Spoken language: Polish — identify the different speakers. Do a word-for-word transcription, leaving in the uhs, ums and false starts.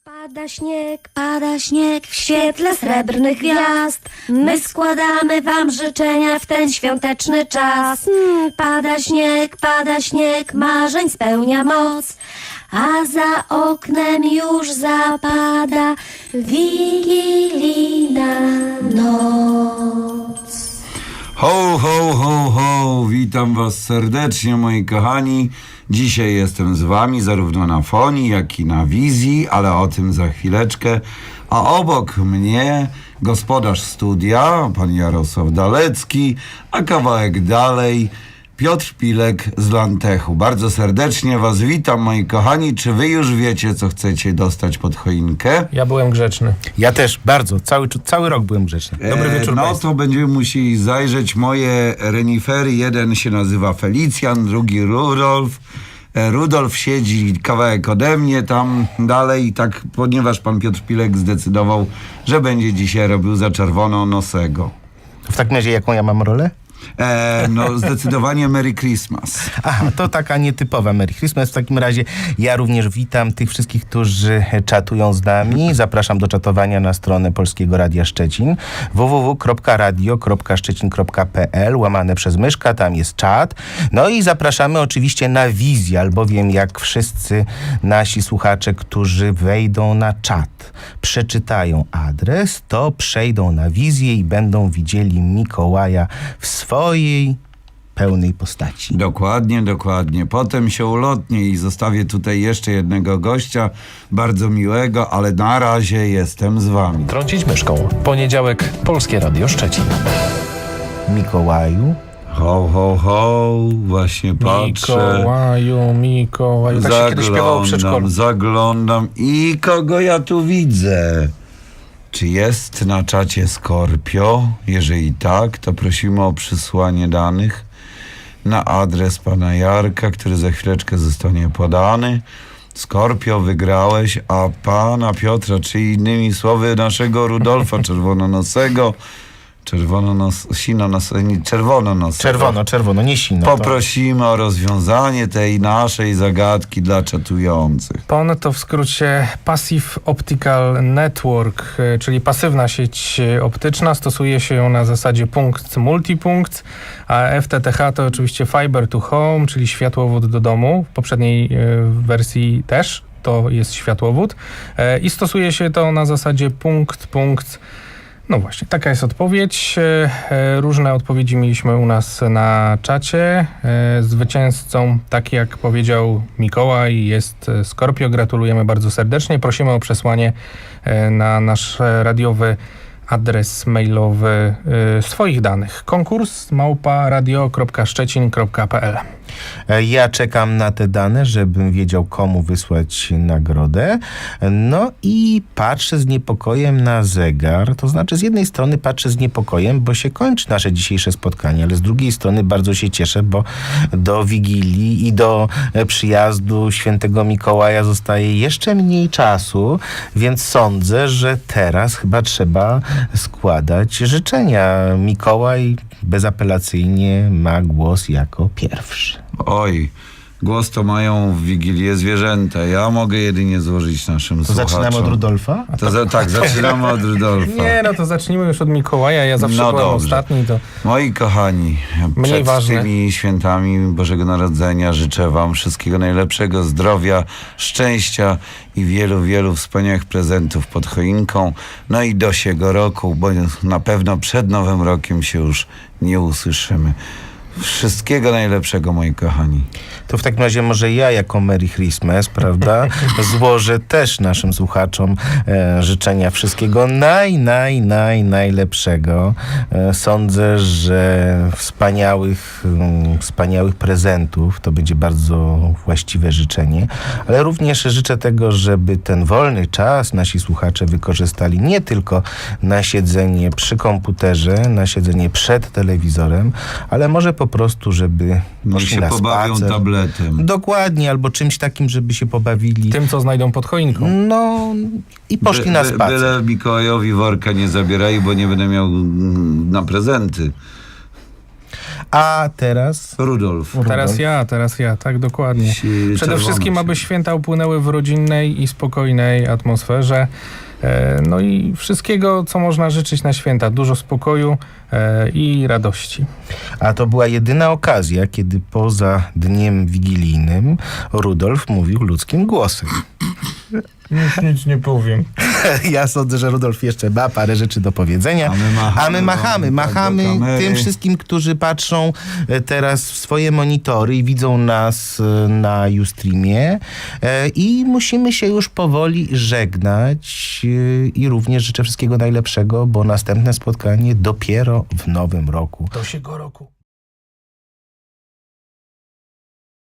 Speaker 1: Pada śnieg, pada śnieg w świetle srebrnych gwiazd. My składamy wam życzenia w ten świąteczny czas. Mm, pada śnieg, pada śnieg, marzeń spełnia moc. A za oknem już zapada wigilijna noc.
Speaker 2: Ho, ho, ho, ho! Witam was serdecznie, moi kochani. Dzisiaj jestem z wami zarówno na fonii, jak i na wizji, ale o tym za chwileczkę. A obok mnie gospodarz studia, pan Jarosław Dalecki, a kawałek dalej Piotr Pilek z Lantechu. Bardzo serdecznie was witam, moi kochani. Czy wy już wiecie, co chcecie dostać pod choinkę?
Speaker 3: Ja byłem grzeczny.
Speaker 4: Ja też, bardzo. Cały, cały rok byłem grzeczny. Dobry
Speaker 2: E,
Speaker 4: wieczór
Speaker 2: No
Speaker 4: państwu.
Speaker 2: to będziemy musieli zajrzeć. Moje renifery, jeden się nazywa Felicjan, drugi Rudolf. E, Rudolf siedzi kawałek ode mnie tam dalej i tak, ponieważ pan Piotr Pilek zdecydował, że będzie dzisiaj robił za czerwononosego.
Speaker 4: W takim razie jaką ja mam rolę?
Speaker 2: E, no zdecydowanie Merry Christmas.
Speaker 4: Aha, to taka nietypowa Merry Christmas. W takim razie ja również witam tych wszystkich, którzy czatują z nami. Zapraszam do czatowania na stronę Polskiego Radia Szczecin w w w kropka radio kropka szczecin kropka p l łamane przez myszka, tam jest czat. No i zapraszamy oczywiście na wizję, albowiem jak wszyscy nasi słuchacze, którzy wejdą na czat, przeczytają adres, to przejdą na wizję i będą widzieli Mikołaja w swojej pełnej postaci.
Speaker 2: Dokładnie, dokładnie. Potem się ulotnię i zostawię tutaj jeszcze jednego gościa, bardzo miłego, ale na razie jestem z wami.
Speaker 3: Trącić myszką. Poniedziałek, Polskie Radio Szczecin.
Speaker 4: Mikołaju,
Speaker 2: Ho, ho, ho, właśnie patrzę.
Speaker 3: Mikołaju, Mikołaju. Tak się kiedyś śpiewało w przedszkolu.
Speaker 2: Zaglądam i kogo ja tu widzę? Czy jest na czacie Skorpio? Jeżeli tak, to prosimy o przysłanie danych na adres pana Jarka, który za chwileczkę zostanie podany. Skorpio, wygrałeś, a pana Piotra, czy innymi słowy naszego Rudolfa Czerwononosego, czerwononos, sinonos, nie, czerwononosego,
Speaker 4: czerwono, czerwono, nie sino.
Speaker 2: poprosimy o rozwiązanie tej naszej zagadki dla czatujących.
Speaker 3: P O N to w skrócie Passive Optical Network, e, czyli pasywna sieć e, optyczna. Stosuje się ją na zasadzie punkt multipunkt, a F T T H to oczywiście Fiber to Home, czyli światłowód do domu. W poprzedniej e, wersji też to jest światłowód. E, I stosuje się to na zasadzie punkt, punkt. No właśnie, taka jest odpowiedź. E, e, Różne odpowiedzi mieliśmy u nas na czacie. E, Zwycięzcą, tak jak powiedział Mikołaj, jest e, Skorpio. Gratulujemy bardzo serdecznie. Prosimy o przesłanie e, na nasz e, radiowy adres mailowy e, swoich danych. Konkurs małpa radio kropka szczecin kropka p l.
Speaker 4: Ja czekam na te dane, żebym wiedział, komu wysłać nagrodę. No i patrzę z niepokojem na zegar. To znaczy, z jednej strony patrzę z niepokojem, bo się kończy nasze dzisiejsze spotkanie, ale z drugiej strony bardzo się cieszę, bo do Wigilii i do przyjazdu świętego Mikołaja zostaje jeszcze mniej czasu, więc sądzę, że teraz chyba trzeba składać życzenia. Mikołaj bezapelacyjnie ma głos jako pierwszy.
Speaker 2: Oj, głos to mają w Wigilię zwierzęta. Ja mogę jedynie złożyć naszym
Speaker 4: To
Speaker 2: słuchaczom.
Speaker 4: zaczynamy od Rudolfa?
Speaker 2: To za, tak, zaczynamy od Rudolfa.
Speaker 3: Nie, no to zacznijmy już od Mikołaja. Ja zawsze
Speaker 2: No
Speaker 3: byłem
Speaker 2: dobrze.
Speaker 3: ostatni. To
Speaker 2: Moi kochani,
Speaker 3: Mniej
Speaker 2: przed
Speaker 3: ważne.
Speaker 2: tymi świętami Bożego Narodzenia życzę wam wszystkiego najlepszego, zdrowia, szczęścia i wielu, wielu wspaniałych prezentów pod choinką. No i do siego roku, bo na pewno przed Nowym Rokiem się już nie usłyszymy. Wszystkiego najlepszego, moi kochani.
Speaker 4: To w takim razie może ja jako Merry Christmas, prawda, złożę też naszym słuchaczom e, życzenia wszystkiego naj, naj, naj, najlepszego. E, sądzę, że wspaniałych, mm, wspaniałych prezentów to będzie bardzo właściwe życzenie, ale również życzę tego, żeby ten wolny czas nasi słuchacze wykorzystali nie tylko na siedzenie przy komputerze, na siedzenie przed telewizorem, ale może po prostu, żeby
Speaker 2: Niech
Speaker 4: poszli
Speaker 2: się
Speaker 4: na
Speaker 2: pobawią
Speaker 4: spacer.
Speaker 2: tabletem.
Speaker 4: Dokładnie, albo czymś takim, żeby się pobawili.
Speaker 3: tym, co znajdą pod choinką.
Speaker 4: No i poszli
Speaker 2: By-
Speaker 4: na
Speaker 2: by-
Speaker 4: spacer.
Speaker 2: Byle Mikołajowi worka nie zabierali, bo nie będę miał mm, na prezenty.
Speaker 4: A teraz...
Speaker 2: Rudolf.
Speaker 3: Teraz ja, teraz ja, tak dokładnie.
Speaker 2: Ci
Speaker 3: Przede
Speaker 2: czerwono
Speaker 3: wszystkim,
Speaker 2: się-
Speaker 3: aby święta upłynęły w rodzinnej i spokojnej atmosferze. E, No i wszystkiego, co można życzyć na święta. Dużo spokoju e, i radości.
Speaker 4: A to była jedyna okazja, kiedy poza dniem wigilijnym Rudolf mówił ludzkim głosem.
Speaker 3: Nic, nic nie powiem.
Speaker 4: Ja sądzę, że Rudolf jeszcze ma parę rzeczy do powiedzenia.
Speaker 2: A my machamy,
Speaker 4: A my machamy,
Speaker 2: no, tak
Speaker 4: machamy
Speaker 2: do kamery.
Speaker 4: tym wszystkim, którzy patrzą e, teraz w swoje monitory i widzą nas e, na Ustreamie. E, I musimy się już powoli żegnać. E, I również życzę wszystkiego najlepszego, bo następne spotkanie dopiero w nowym roku.
Speaker 3: Do siego roku.